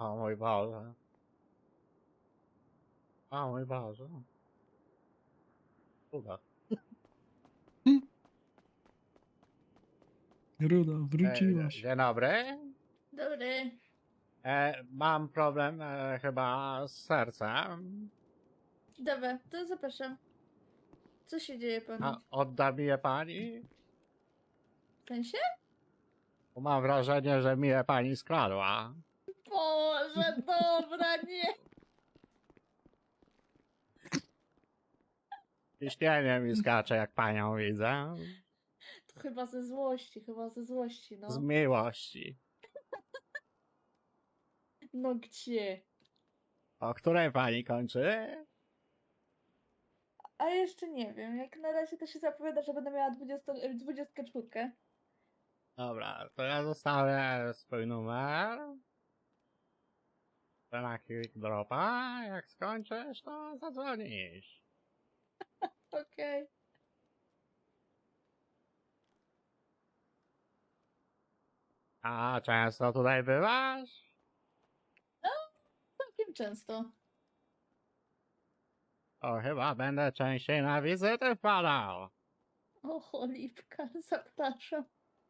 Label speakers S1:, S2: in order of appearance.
S1: O mój Boże. O mój Boże. Uda.
S2: Ruda, wróciłaś.
S1: Dzień dobry.
S3: Dobry.
S1: Mam problem chyba z sercem.
S3: Dobra, to zapraszam. Co się dzieje panu?
S1: A odda mi je pani?
S3: W sensie?
S1: Bo mam wrażenie, że mi je pani skradła.
S3: Boże, dobra, nie.
S1: Ciśnienie mi skacze, jak panią widzę.
S3: To chyba ze złości,
S1: Z
S3: no.
S1: miłości.
S3: No gdzie?
S1: O której pani kończy?
S3: A jeszcze nie wiem, jak na razie to się zapowiada, że będę miała 24.
S1: Dobra, to ja zostawię swój numer. Na quick dropa. Jak skończysz, to zadzwonisz.
S3: Okej.
S1: A często tutaj bywasz?
S3: Całkiem często.
S1: O, chyba będę częściej na wizyty wpadał.
S3: O, cholipka, zapraszam.